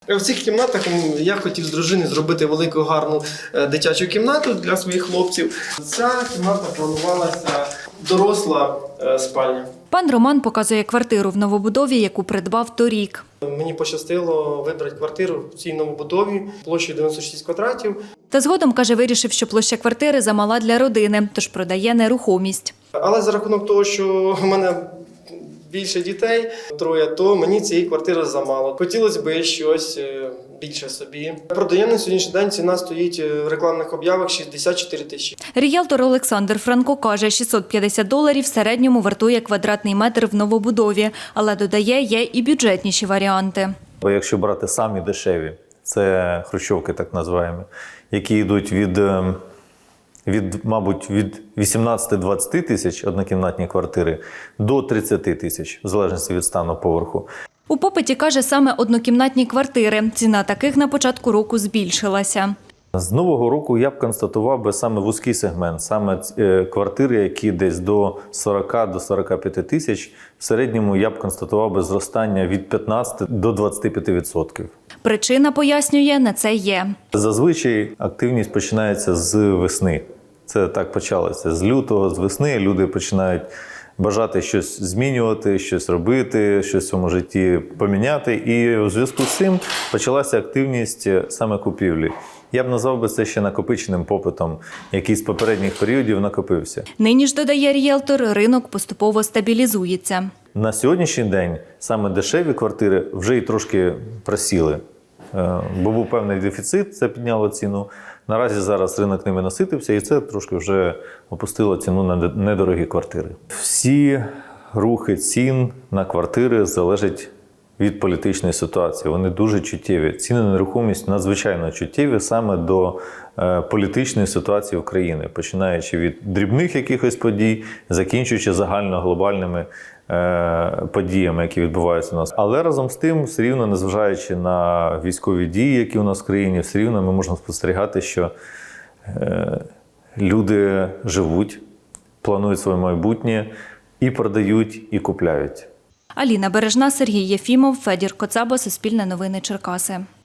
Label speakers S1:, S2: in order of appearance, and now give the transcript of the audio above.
S1: В цих кімнатах я хотів з дружиною зробити велику гарну дитячу кімнату для своїх хлопців. Ця кімната планувалася доросла спальня.
S2: Пан Роман показує квартиру в новобудові, яку придбав торік.
S1: Мені пощастило вибрати квартиру в цій новобудові площею 96 квадратів.
S2: Та згодом, каже, вирішив, що площа квартири замала для родини, тож продає нерухомість.
S1: Але за рахунок того, що в мене більше дітей, троє, то мені цієї квартири замало. Хотілося б щось більше собі. Продаємо на сьогоднішній день, ціна стоїть в рекламних об'явах 64 тисячі.
S2: Ріелтор Олександр Франко каже, $650 в середньому вартує квадратний метр в новобудові, але додає, є і бюджетніші варіанти.
S3: Бо якщо брати самі дешеві, це хрущовки так називаємо, які йдуть мабуть, від 18-20 тисяч однокімнатні квартири до 30 тисяч, в залежності від стану поверху.
S2: У попиті, каже, саме однокімнатні квартири. Ціна таких на початку року збільшилася.
S3: З нового року я б констатував би саме вузький сегмент, саме квартири, які десь до 40 до 45 тисяч. В середньому я б констатував би зростання від 15 до 25%.
S2: Причина, пояснює, на це є.
S3: Зазвичай активність починається з весни. Це так почалося. З лютого, з весни люди починають бажати щось змінювати, щось робити, щось в своєму житті поміняти. І у зв'язку з цим почалася активність саме купівлі. Я б назвав би це ще накопиченим попитом, який з попередніх періодів накопився.
S2: Нині ж, додає ріелтор, ринок поступово стабілізується.
S3: На сьогоднішній день саме дешеві квартири вже й трошки просіли. Бо був певний дефіцит, це підняло ціну. Наразі зараз ринок ними наситився, і це трошки вже опустило ціну на недорогі квартири. Всі рухи цін на квартири залежать від політичної ситуації. Вони дуже чуттєві. Ціни на нерухомість надзвичайно чуттєві саме до політичної ситуації України, починаючи від дрібних якихось подій, закінчуючи загально-глобальними подіями, які відбуваються у нас. Але разом з тим, все рівно, незважаючи на військові дії, які у нас в країні, все рівно ми можемо спостерігати, що люди живуть, планують своє майбутнє і продають, і купляють.
S2: Аліна Бережна, Сергій Єфімов, Федір Коцаба, Суспільне новини, Черкаси.